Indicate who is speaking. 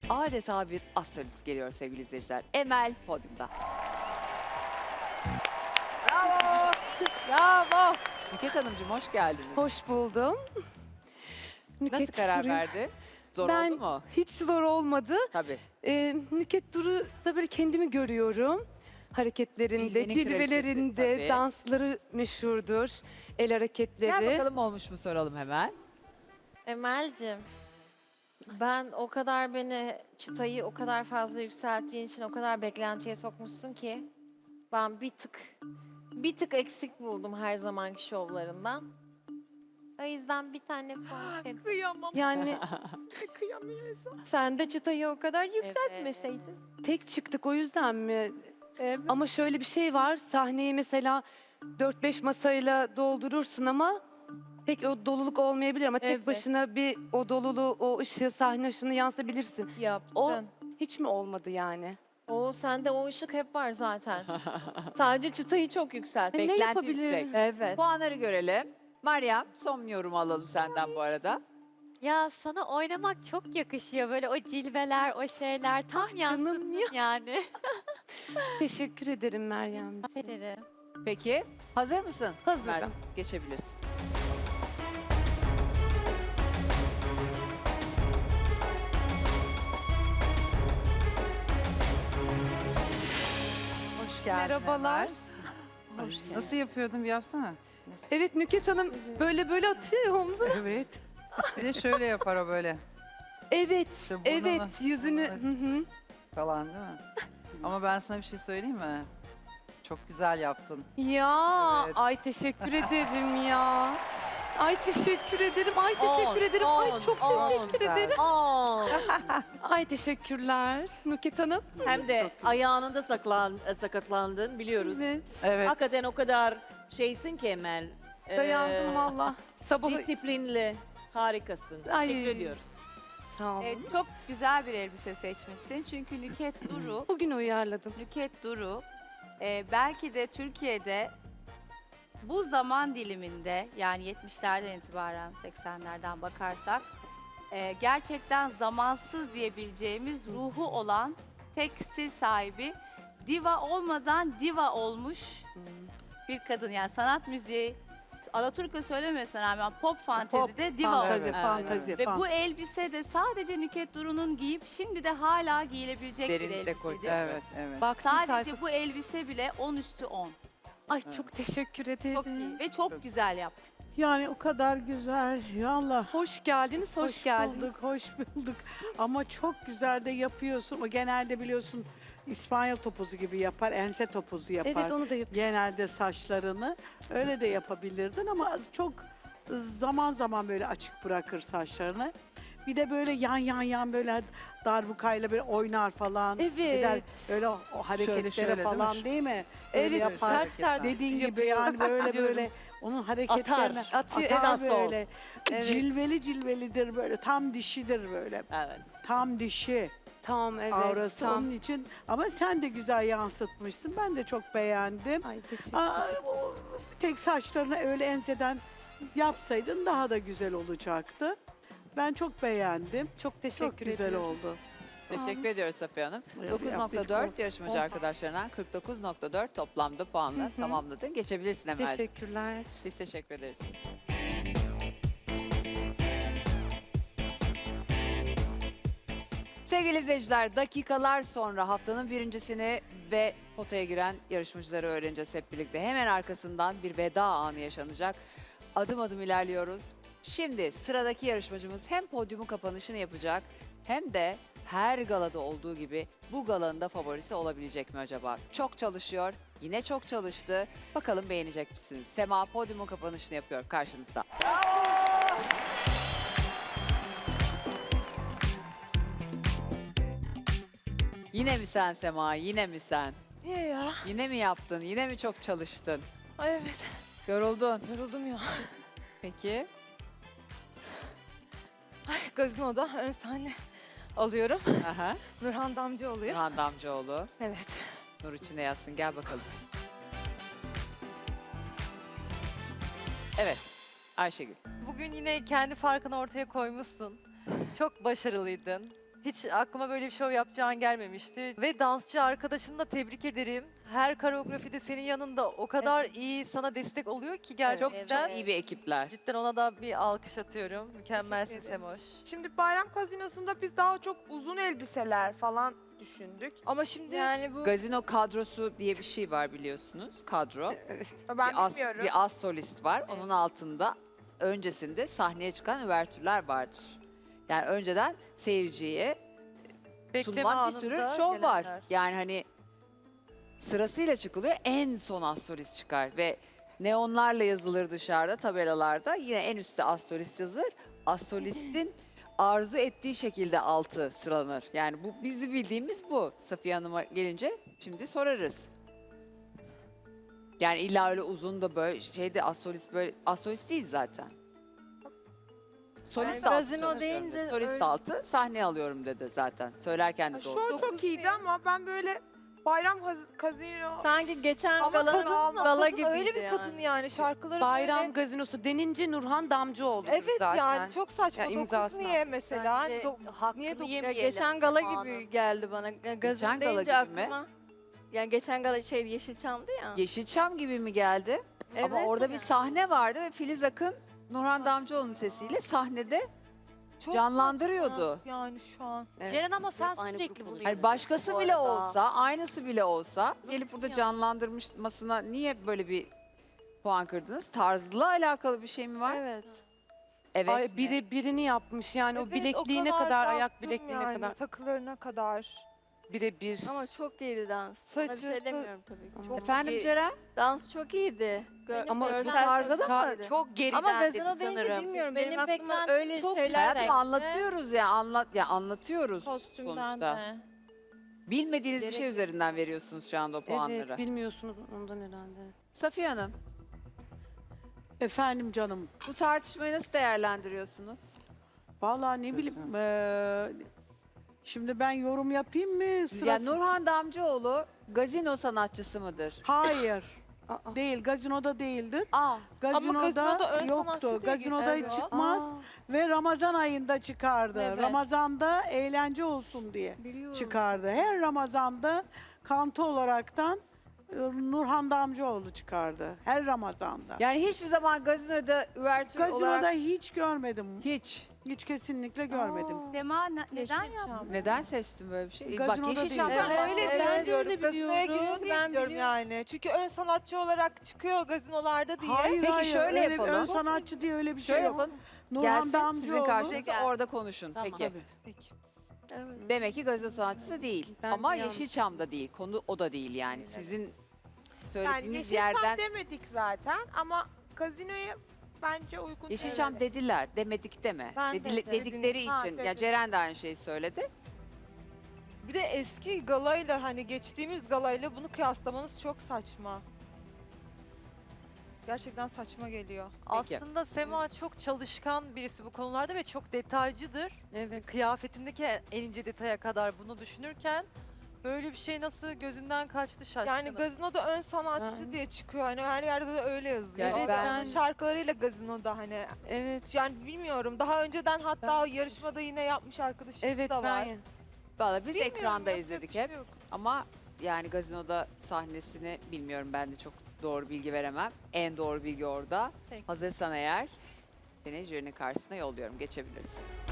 Speaker 1: adeta bir astrolist geliyor sevgili izleyiciler. Emel podyumda. Bravo.
Speaker 2: Bravo.
Speaker 1: Nüket Hanımcığım hoş geldiniz.
Speaker 2: Hoş buldum.
Speaker 1: Nasıl
Speaker 2: Nüket
Speaker 1: karar
Speaker 2: Duru'yu-
Speaker 1: verdi? Zor
Speaker 2: Ben
Speaker 1: oldu mu?
Speaker 2: hiç zor olmadı.
Speaker 1: Tabii.
Speaker 2: Nüket Duru'da böyle kendimi görüyorum. Hareketlerinde,
Speaker 1: Cilvenin
Speaker 2: cilvelerinde,
Speaker 1: kraliçesi, tabii.
Speaker 2: dansları meşhurdur. El hareketleri.
Speaker 1: Gel bakalım olmuş mu soralım hemen.
Speaker 3: Emel'cim, ben o kadar beni çıtayı o kadar fazla yükselttiğin için o kadar beklentiye sokmuşsun ki ben bir tık eksik buldum her zamanki şovlarından. O yüzden bir tane puan veririm.
Speaker 4: Kıyamam.
Speaker 2: Yani
Speaker 4: Kıyamıyorsun.
Speaker 3: Sen de çıtayı o kadar yükseltmeseydin.
Speaker 2: tek çıktık o yüzden mi?
Speaker 4: Evet.
Speaker 2: Ama şöyle bir şey var. Sahneyi mesela 4-5 masayla doldurursun ama pek o doluluk olmayabilir ama tek
Speaker 3: Evet.
Speaker 2: başına bir o doluluğu, o ışığı, sahne ışığını yansıtabilirsin.
Speaker 3: Yaptın.
Speaker 2: O hiç mi olmadı yani?
Speaker 3: O sende o ışık hep var zaten. Sadece çıtayı çok yükselt.
Speaker 2: Ne
Speaker 1: Beklenti
Speaker 2: yapabilirim?
Speaker 1: yüksek.
Speaker 3: Evet.
Speaker 1: Puanları görelim. Meryem son yorumu alalım senden bu arada.
Speaker 5: Ya sana oynamak çok yakışıyor. Böyle o cilveler, o şeyler tam
Speaker 2: canım
Speaker 5: yansıttın yani.
Speaker 2: Teşekkür ederim Meryemciğim.
Speaker 5: Ederim.
Speaker 1: Peki hazır mısın?
Speaker 2: Hazırım.
Speaker 1: Meryem, geçebilirsin.
Speaker 6: Hoş geldin.
Speaker 2: Merhabalar.
Speaker 6: Ömer. Nasıl yapıyordun bir yapsana.
Speaker 2: Evet Nüket Hanım böyle atıyor ya omzuna.
Speaker 6: Evet. Bir de şöyle yapar o böyle
Speaker 2: Evet,
Speaker 6: İşte burnunu-
Speaker 2: evet yüzünü.
Speaker 6: burnunu-
Speaker 2: Hı hı.
Speaker 6: falan değil mi? Ama ben sana bir şey söyleyeyim mi? Çok güzel yaptın.
Speaker 2: Ya
Speaker 6: Evet.
Speaker 2: ay teşekkür ederim ya. Ay teşekkür ederim. Ay teşekkür ederim. Ay çok teşekkür
Speaker 6: Güzel.
Speaker 2: ederim.
Speaker 4: Aa,
Speaker 2: Ay teşekkürler Nüket Hanım.
Speaker 4: hem de ayağında sakatlandın biliyoruz.
Speaker 2: Evet.
Speaker 6: Evet.
Speaker 4: Hakikaten o kadar şeysin ki Emel.
Speaker 2: Dayandım valla. Sabahı
Speaker 4: Disiplinli, harikasın.
Speaker 2: Ay.
Speaker 4: Teşekkür ediyoruz.
Speaker 2: sağ olun.
Speaker 7: Çok güzel bir elbise seçmişsin. Çünkü Nüket Duru,
Speaker 2: Bugün uyarladım.
Speaker 7: Nüket Duru belki de Türkiye'de bu zaman diliminde yani 70'lerden itibaren 80'lerden bakarsak gerçekten zamansız diyebileceğimiz ruhu olan tek stil sahibi, diva olmadan diva olmuş bir kadın. Yani sanat müziği, Alaturka söylemesine rağmen pop fantezide diva
Speaker 6: fantezi,
Speaker 7: olmuş.
Speaker 6: fantezi.
Speaker 7: Ve bu elbise de sadece Nüket Duru'nun giyip şimdi de hala giyilebilecek bir
Speaker 1: Derin dekolte.
Speaker 7: elbiseydi.
Speaker 6: Evet, evet.
Speaker 2: Bak
Speaker 7: Sadece bu elbise bile 10 üstü 10.
Speaker 2: Ay çok teşekkür ederim.
Speaker 7: Çok iyi ve çok güzel yaptın.
Speaker 8: Yani o kadar güzel. Ya Allah.
Speaker 2: Hoş geldiniz, hoş geldiniz.
Speaker 8: bulduk, hoş bulduk. Ama çok güzel de yapıyorsun. O genelde biliyorsun İspanyol topuzu gibi yapar, ense topuzu yapar.
Speaker 2: Evet onu da yapıyorum.
Speaker 8: Genelde saçlarını öyle de yapabilirdin ama çok zaman zaman böyle açık bırakır saçlarını. Bir de böyle yan böyle darbukayla böyle oynar falan.
Speaker 2: Evet.
Speaker 8: Gider öyle o hareketlere
Speaker 6: şöyle, değil
Speaker 8: falan
Speaker 6: mi?
Speaker 8: değil mi? Öyle
Speaker 2: Evet,
Speaker 8: yapar.
Speaker 2: sert sert
Speaker 8: Dediğin gibi
Speaker 2: yapıyor.
Speaker 8: yani böyle
Speaker 2: Diyorum.
Speaker 8: böyle onun hareketlerine
Speaker 2: Atıyor,
Speaker 8: atar
Speaker 4: evet.
Speaker 8: böyle.
Speaker 2: Evet.
Speaker 8: Cilvelidir böyle. Tam dişidir böyle.
Speaker 4: Evet.
Speaker 8: Tam dişi
Speaker 2: Tamam evet.
Speaker 8: aurası
Speaker 2: tamam.
Speaker 8: onun için. Ama sen de güzel yansıtmışsın. Ben de çok beğendim.
Speaker 2: Ay teşekkür
Speaker 8: O tek saçlarını öyle enseden yapsaydın daha da güzel olacaktı. Ben çok beğendim.
Speaker 2: Çok teşekkür
Speaker 8: Çok güzel
Speaker 2: ederim.
Speaker 8: oldu.
Speaker 1: Teşekkür ediyoruz Safiye Hanım.
Speaker 8: Evet,
Speaker 1: 9.4 yarışmacı arkadaşlarından 49.4 toplamda puanla tamamladın. Geçebilirsin Emel.
Speaker 2: Teşekkürler.
Speaker 1: Biz teşekkür ederiz. Sevgili izleyiciler, dakikalar sonra haftanın birincisini ve potaya giren yarışmacıları öğreneceğiz hep birlikte. Hemen arkasından bir veda anı yaşanacak. Adım adım ilerliyoruz. Şimdi sıradaki yarışmacımız hem podyumun kapanışını yapacak hem de her galada olduğu gibi bu galanın da favorisi olabilecek mi acaba? Çok çalışıyor, yine çok çalıştı. Bakalım beğenecek misiniz? Sema podyumun kapanışını yapıyor karşınızda. Yine mi sen Sema, yine mi sen?
Speaker 3: Niye ya?
Speaker 1: Yine mi yaptın, yine mi çok çalıştın?
Speaker 3: Ay evet.
Speaker 1: Yoruldun.
Speaker 3: Yoruldum ya.
Speaker 1: Peki,
Speaker 3: Gazinoda ön sahne alıyorum.
Speaker 1: aha.
Speaker 3: Nurhan Damcı oluyor.
Speaker 1: Nurhan Damcıoğlu,
Speaker 3: Evet.
Speaker 1: Nur içinde yatsın, gel bakalım. Evet, Ayşegül.
Speaker 9: Bugün yine kendi farkını ortaya koymuşsun. Çok başarılıydın. Hiç aklıma böyle bir şov yapacağın gelmemişti. Ve dansçı arkadaşını da tebrik ederim. Her koreografide senin yanında o kadar iyi sana destek oluyor ki
Speaker 1: Çok
Speaker 9: gerçekten.
Speaker 1: çok iyi bir ekipler.
Speaker 9: Cidden ona da bir alkış atıyorum. Mükemmelsin
Speaker 10: Teşekkür ederim.
Speaker 9: Semoş.
Speaker 10: Şimdi bayram kazinosunda biz daha çok uzun elbiseler falan düşündük. Ama şimdi
Speaker 3: Yani bu
Speaker 1: Gazino kadrosu diye bir şey var biliyorsunuz. Kadro.
Speaker 10: ben
Speaker 1: bir,
Speaker 10: bilmiyorum.
Speaker 1: bir az solist var. Onun altında öncesinde sahneye çıkan üvertürler vardır. Yani önceden seyirciye
Speaker 9: Bekleme
Speaker 1: sunulan bir sürü
Speaker 9: anında
Speaker 1: şov var.
Speaker 9: gelenler.
Speaker 1: Yani hani sırasıyla çıkılıyor. En son az solist çıkar ve neonlarla yazılır dışarıda tabelalarda. Yine en üstte az solist yazılır. Az solistin arzu ettiği şekilde altı sıralanır. Yani bu bizi bildiğimiz bu. Safiye Hanım'a gelince şimdi sorarız. Yani illa öyle uzun da böyle şeyde az solist böyle az solist değil zaten. Solist
Speaker 3: Yani
Speaker 1: altı
Speaker 3: gazino
Speaker 1: çalışıyorum
Speaker 3: deyince
Speaker 1: dedi. Solist
Speaker 3: öyle-
Speaker 1: altı sahneye alıyorum dedi zaten. Söylerken de doğru.
Speaker 10: Şov çok iyiydi ama ben böyle bayram kazino
Speaker 3: sanki geçen
Speaker 10: ama
Speaker 3: galanın
Speaker 10: kadın,
Speaker 3: gala
Speaker 10: kadın
Speaker 3: gibiydi
Speaker 10: öyle bir kadın
Speaker 3: yani.
Speaker 10: yani şarkıları
Speaker 2: Bayram
Speaker 10: böyle.
Speaker 2: gazinosu denince Nurhan Damcıoğlu
Speaker 10: Evet
Speaker 2: zaten.
Speaker 10: yani çok saçma.
Speaker 2: Ya
Speaker 10: Dokuz
Speaker 2: imzasını
Speaker 10: niye mesela?
Speaker 7: Bence
Speaker 10: Niye
Speaker 7: hakkını
Speaker 10: dok-
Speaker 3: Ya
Speaker 7: yemeyelim.
Speaker 3: geçen gala
Speaker 7: zamanın.
Speaker 3: gibi geldi bana. Gazino
Speaker 1: Geçen gala
Speaker 3: deyince
Speaker 1: gibi mi?
Speaker 3: aklıma. Yani geçen gala şey Yeşilçam'dı ya.
Speaker 1: Yeşilçam gibi mi geldi? Ama
Speaker 3: Evet
Speaker 1: orada
Speaker 3: yani.
Speaker 1: bir sahne vardı ve Filiz Akın Nurhan Damcıoğlu'nun sesiyle sahnede canlandırıyordu.
Speaker 10: saçma Yani şu an.
Speaker 2: Evet.
Speaker 5: Ceren ama sen
Speaker 7: Aynı
Speaker 5: sürekli
Speaker 7: grup
Speaker 5: bunu
Speaker 7: oluyor.
Speaker 1: Hani başkası
Speaker 5: Bu
Speaker 1: bile
Speaker 5: arada.
Speaker 1: olsa, aynısı bile olsa gelip burada
Speaker 3: yani?
Speaker 1: canlandırmasına niye böyle bir puan kırdınız? Tarzla alakalı bir şey mi var?
Speaker 3: Evet.
Speaker 1: Evet.
Speaker 2: Ay,
Speaker 1: mi?
Speaker 2: birini yapmış yani o
Speaker 10: Evet,
Speaker 2: bilekliğine
Speaker 10: kadar
Speaker 2: kadar, ayak
Speaker 10: baktım
Speaker 2: bilekliğine
Speaker 10: yani,
Speaker 2: kadar.
Speaker 10: takılarına kadar.
Speaker 2: Birebir.
Speaker 3: Ama çok iyiydi dans. Ona bir
Speaker 10: Saçı,
Speaker 3: şey demiyorum tabii ki.
Speaker 2: Çok
Speaker 1: Efendim Ceren?
Speaker 3: Dans çok iyiydi.
Speaker 2: Ama bu
Speaker 3: görsel
Speaker 1: tarzda da
Speaker 3: çok
Speaker 1: mı?
Speaker 3: iyiydi.
Speaker 5: Çok geriden
Speaker 3: Ama
Speaker 5: dedi
Speaker 3: gazino deyince
Speaker 5: sanırım.
Speaker 3: bilmiyorum.
Speaker 7: Benim
Speaker 3: Benim aklıma
Speaker 7: beklentim
Speaker 3: öyle
Speaker 7: çok
Speaker 3: şeyler
Speaker 1: Hayatım
Speaker 3: geldi.
Speaker 1: anlatıyoruz ya anlatıyoruz
Speaker 3: Kostümden
Speaker 1: sonuçta.
Speaker 3: de.
Speaker 1: Bilmediğiniz bir şey üzerinden veriyorsunuz şu anda o puanları.
Speaker 2: Evet bilmiyorsunuz ondan herhalde.
Speaker 1: Safiye Hanım,
Speaker 8: Efendim canım.
Speaker 1: bu tartışmayı nasıl değerlendiriyorsunuz?
Speaker 8: Vallahi ne bileyim. Şimdi ben yorum yapayım mı?
Speaker 1: Ya
Speaker 8: Sırası...
Speaker 1: Nurhan Damcıoğlu gazino sanatçısı mıdır?
Speaker 8: Hayır.
Speaker 2: Aa.
Speaker 8: Değil. Gazinoda değildir.
Speaker 1: Aa,
Speaker 8: Gazinoda,
Speaker 10: gazinoda ön sanatçı
Speaker 8: yoktu.
Speaker 10: diye
Speaker 8: Gazinoda
Speaker 10: geçiyor.
Speaker 8: çıkmaz ve Ramazan ayında çıkardı.
Speaker 3: Evet.
Speaker 8: Ramazanda eğlence olsun diye çıkardı. Her Ramazanda kanto olaraktan Nurhan Damcıoğlu çıkardı. Her Ramazanda.
Speaker 1: yani hiçbir zaman gazinoda üvertür
Speaker 8: Gazinoda
Speaker 1: olarak
Speaker 8: hiç görmedim.
Speaker 1: hiç.
Speaker 8: Hiç kesinlikle görmedim.
Speaker 7: Sema neden yaptın?
Speaker 1: Neden seçtin böyle bir şey?
Speaker 8: Gazinoda
Speaker 1: Bak Yeşilçam
Speaker 8: değil.
Speaker 10: Ben
Speaker 3: Evet,
Speaker 10: öyle
Speaker 3: evet.
Speaker 10: diye
Speaker 3: Ben de
Speaker 10: biliyorum.
Speaker 3: öyle
Speaker 10: Gazinoya
Speaker 3: biliyorum.
Speaker 10: giriyor diye
Speaker 3: Ben
Speaker 10: biliyorum
Speaker 3: biliyorum.
Speaker 10: yani. Çünkü ön sanatçı olarak çıkıyor gazinolarda diye.
Speaker 8: Hayır,
Speaker 1: Peki
Speaker 8: hayır,
Speaker 1: şöyle
Speaker 8: öyle
Speaker 1: yapalım.
Speaker 8: Ön sanatçı diye öyle bir şey
Speaker 1: Şöyle
Speaker 8: yok.
Speaker 1: yapın.
Speaker 8: Nurhan
Speaker 1: Gelsin sizin
Speaker 8: Damcıoğlu.
Speaker 1: karşınıza orada konuşun.
Speaker 7: Tamam.
Speaker 1: Peki.
Speaker 8: Tabii.
Speaker 10: Peki.
Speaker 3: Evet.
Speaker 1: Demek ki gazino sanatçısı değil.
Speaker 2: Ben
Speaker 1: Ama
Speaker 2: bir yanlış-
Speaker 1: Yeşilçam'da değil. Konu o da değil yani. Sizin
Speaker 10: Yani
Speaker 1: söylediğiniz
Speaker 10: Yeşilçam
Speaker 1: yerden
Speaker 10: demedik zaten ama gazinoya bence uygun.
Speaker 1: Yeşilçam
Speaker 10: Evet.
Speaker 1: dediler. Demedik deme.
Speaker 3: Ben de dedim.
Speaker 1: Dedikleri
Speaker 10: Ha,
Speaker 1: için. Ya
Speaker 10: dedim.
Speaker 1: Ceren de aynı şeyi söyledi.
Speaker 10: Bir de eski galayla hani geçtiğimiz galayla bunu kıyaslamanız çok saçma. Gerçekten saçma geliyor.
Speaker 1: Peki.
Speaker 9: Aslında Sema çok çalışkan birisi bu konularda ve çok detaycıdır.
Speaker 2: Evet.
Speaker 9: Kıyafetindeki en ince detaya kadar bunu düşünürken böyle bir şey nasıl gözünden kaçtı şaşkınım.
Speaker 10: Yani gazinoda ön sanatçı
Speaker 2: Ben-
Speaker 10: diye çıkıyor. Hani her yerde de öyle yazıyor.
Speaker 1: Yani
Speaker 10: Evet,
Speaker 1: ben-
Speaker 10: şarkılarıyla gazinoda hani.
Speaker 2: Evet.
Speaker 10: Yani bilmiyorum. Daha önceden hatta yarışmada yine yapmış arkadaşımız
Speaker 2: Evet
Speaker 10: da var.
Speaker 2: ben
Speaker 1: Valla biz
Speaker 10: Bilmiyorum,
Speaker 1: ekranda
Speaker 10: yapacak
Speaker 1: izledik
Speaker 10: bir şey
Speaker 1: hep.
Speaker 10: yok.
Speaker 1: Ama yani gazinoda sahnesini bilmiyorum, ben de çok doğru bilgi veremem. En doğru bilgi orada.
Speaker 10: Peki.
Speaker 1: Hazırsan eğer seni jürinin karşısına yolluyorum. Geçebilirsin.